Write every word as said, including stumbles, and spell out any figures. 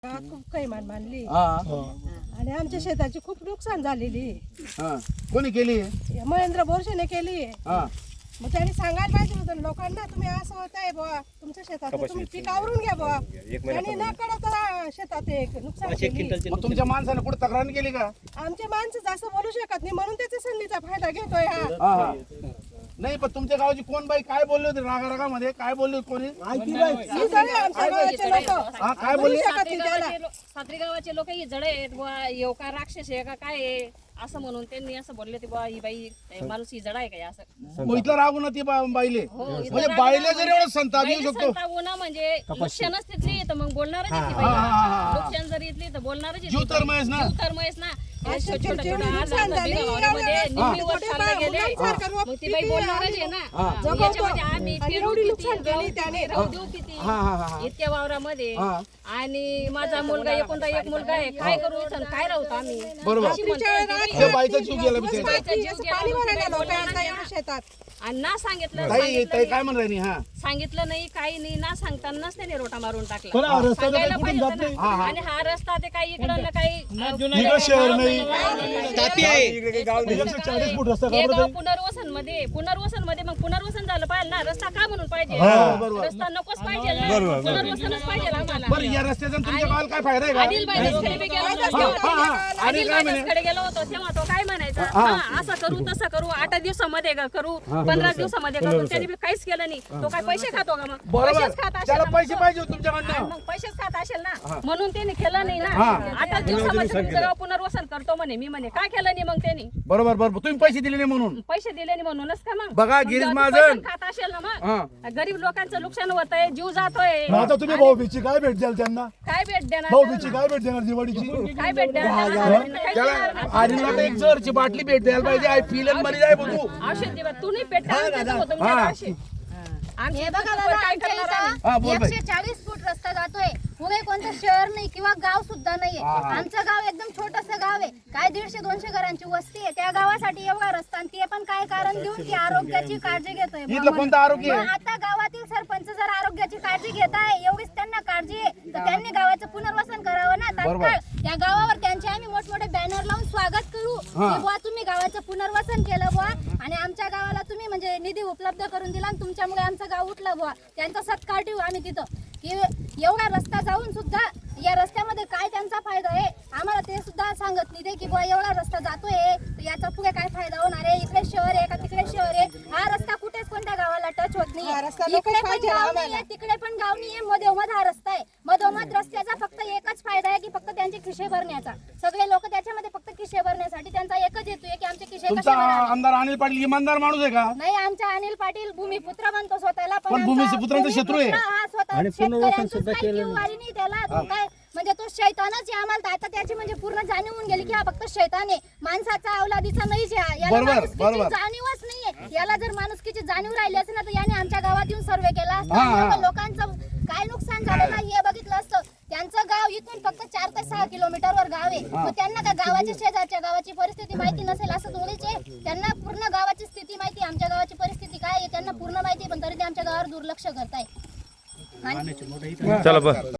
खूप काही मान मानली हा आणि आमच्या शेताची खूप नुकसान झालेली हा कोणी केली महेंद्र बोरशेने केली हा मग त्यांनी सांगायला पाहिजे होतं लोकांना, तुम्ही असं होत आहे बुवा तुमच्या शेतात तुम्ही पीक आवरून घ्या बुवा. त्यांनी न कळत शेतात एक नुकसान केली. मग तुमच्या माणसाने कुठे तक्रार नाही केली का? आमचे माणसं जास्त बोलू शकत नाही म्हणून त्याच्या संधीचा फायदा घेतोय हा. हा हा नाही पण तुमच्या गावाची कोण बाई काय बोलली होती रागा रागामध्ये? काय बोलली होती कोणी? ही सगळे आमच्या गावाचे लोक हा काय बोलले? शकत नाही त्याला. सात्री गावाचे लोक ही जड आहेत बुवा, येऊ का राक्षस आहे का काय आहे असं म्हणून त्यांनी असं बोलले ते बुवा ही बाई माणूस ही जड आहे काय असं. मग इथलं रागू ना ती बा- बाईले हो, इथं म्हणजे राग बाईले म्हणजे जर एवढं संताप येऊ बाईला शकतो. संताप ना म्हणजे नुकसानच तिथली तर मग बोलणारच आहे ती बाई. हा, हा, हा. नुकसान जरी इथली तर बोलणारच आहे ती जीव तर बाई. महेश ना? जीव तर महेश ना. हे अशा छोटं- छोटं- जेवढी छोटं नुकसान अर्धा- अर्धा झाली, बिघा एवढ्या- वावरामध्ये एवढ्या निम्मी वर छोटे चालले गेले. मुलांसारखं रोप मग ती बाई पिके बोलणारच आणि आहे ना. हा. मग याच्यामध्ये आम्ही आणि पेरू एवढी किती, नुकसान केली गहू त्याने. किती, राहू किती हा हा हा हा. इतक्या वावरामध्ये हा. आणि माझा मुलगा एकोणता एक मुलगा आहे. काय करू इथं काय राहतो आम्ही बरोबर. अशी म्हणते ती बाई. त्या बाईचा जीव गेला बिचारी. बाईचा जीव असं गेला पाणी म्हणून भरायला ती बाई लोकं बोलणार आता नाही एवढ्या ना. शेतात. आणि ना सांगितलं ताई सांगितलं ताई काय नाही. म्हणत राहिली? हा सांगितलं नाही काही नाही ना सांगतानाच त्याने रोटा मारून टाकला. पण हा रस्ता तर सांगायला काही पाहिजे कुठून होतं जात ना. हा, हा. आणि हा रस्ता ते काही इकडं ना काही इकडं शहर नाही. तापी आहे. एकशे चाळीस फूट रस्ता हे काढला गाव तरी. पुनर्वसन मध्ये पुनर्वसन मध्ये मग पुनर्वसन झालं पाहिजे ना. रस्ता का म्हणून पाहिजे हा, बरोबर. रस्ता नकोच पाहिजे ना. पुनर्वसनच पाहिजे आम्हाला. बरं या रस्त्याचा तुमच्या गावाला काय फायदा आहे अनिल का? बाई रस्त्याने बी गेलो होतो हा, तेव्हा. हा, हा. आणि अनिल काय बाई म्हणे? रस्त्याकडे गेलो होतो तेव्हा तो काय म्हणायचा हा. हा, असं करू तसं करू आठ दिवसामध्ये ग- करू पंधरा दिवसामध्ये करू त्याने बी काहीच केलं नाही. तो काय पैसे खातो का मग बरोबर पैसेच खात असेल त्याला ना पैसे मग तो. पाहिजे होते हा, तुमच्याकडनं. मग पैसेच खात असेल ना म्हणून त्यांनी केलं नाही ना. हा. आता दिवसामध्ये तुमचं गाव पुनर्वसन करतो म्हणे मी म्हणे काय केलं नाही मग त्यांनी बरोबर बरोबर तुम्ही पैसे दिले नाही म्हणून. पैसे दिले नाही म्हणूनच का मग बघा, मग गिरीश जर महाजन. पैसेच खात असेल ना हा. मग गरीब लोकांचं नुकसान होत आहे जीव जातोय मग आता तुम्ही भाऊबीजची काय भेट द्याल त्यांना? काय भेट देणार भाऊबीजची काय भेट देणार दिवाळीची? काय भेट देणार काही देणार त्याला नाही. आरीला तर एक जरची बाटली भेट द्यायला पाहिजे. आय फील अन मरी जाय बघू. औषध दिवा तू नाही पेट तुमच्या हा. गावशी. आमच्या हे बघा इथं दादा, काय आमच्या करणार आम्ही? हा, इथं बोल बाई. एकशे चाळीस फूट रस्ता जातोय. पुणे कोणतं शहर नाही किंवा गाव सुद्धा नाहीये. हा, हा. आमचं गाव एकदम छोटस गाव आहे. काय दीडशे दोनशे घरांची वस्ती आहे. त्या गावासाठी एवढा रस्ता आणि ते पण काय कारण देऊन की आरोग्याची काळजी घेतोय. इथलं कोणतं आरोग्य मग आहे? आता गावातील सरपंच जर आरोग्याची काळजी घेत आहे एवढीच त्यांना काळजी आहे तर त्यांनी गावाचं पुनर्वसन करावं ना बरोबर. तात्काळ. त्या गावावर त्यांचे आम्ही मोठमोठे बॅनर लावून स्वागत करू हा. की बुवा तुम्ही गावाचं पुनर्वसन केलं बुवा आणि आमच्या गावाला तुम्ही म्हणजे निधी उपलब्ध करून दिला आणि तुमच्यामुळे आमचं गाव उठलं बुवा. त्यांचा सत्कार ठेवू आम्ही तिथं की एवढा रस्ता जाऊन सुद्धा या रस्त्यामध्ये काय त्यांचा फायदा आहे आम्हाला ते सुद्धा सांगत नाही ते की बुवा एवढा रस्ता जातोय तर याचा पुढे काय फायदा होणार आहे. इकडे शहर आहे का तिकडे शहर आहे. हा रस्ता कुठेच कोणत्या गावाला टच होत हा रस्ता नाही. नकोच इकडे पण पाहिजे गाव आम्हाला. नाहीये तिकडे पण गाव नाहीये. मधोमध हा रस्ता आहे. मधोमध रस्त्याचा फक्त एकच फायदा आहे की फक्त त्यांचे खिशे भरण्याचा. सगळे लोक त्याच्यामध्ये फक्त खिशे भरण्यासाठी त्यांचा एकच हेतू आहे की आमचे खिशे कसे तुमचा भरावे. आमदार अनिल पाटील इमानदार माणूस आहे का? नाही आमचा अनिल पाटील भूमिपुत्र म्हणतो स्वतःला पण आमचा भूमिपुत्रांचा शत्रू आहे. भूमिपुत्र हा स्वतः शेतकऱ्यांचंच काही किंवारी नाही त्याला तो काय म्हणजे तो शैतानच आहे आम्हाला तर आता त्याची म्हणजे पूर्ण जाणीव होऊन गेली की हा फक्त शैतान आहे. माणसाचा अवलादीचा नाहीच आहे. याला बरोबर, माणुसकीची बरोबर. जाणीवच नाहीये. याला जर माणुसकीची जाणीव राहिली असेल ना तर याने आमच्या गावात येऊन सर्वे केला असता. हा, हा. एवढं लोकांचं काय नुकसान झालं ना हे बघितलं असतं. त्यांचं गाव इथून फक्त चार ते सहा किलोमीटर वर गाव आहे. मग त्यांना का गावाच्या शेजारच्या गावाची परिस्थिती माहिती नसेल असं थोडीच आहे. त्यांना पूर्ण गावाची स्थिती माहिती आमच्या गावाची परिस्थिती काय आहे त्यांना पूर्ण माहिती पण तरी ते आमच्या गावावर दुर्लक्ष करताय. आणि चला बस.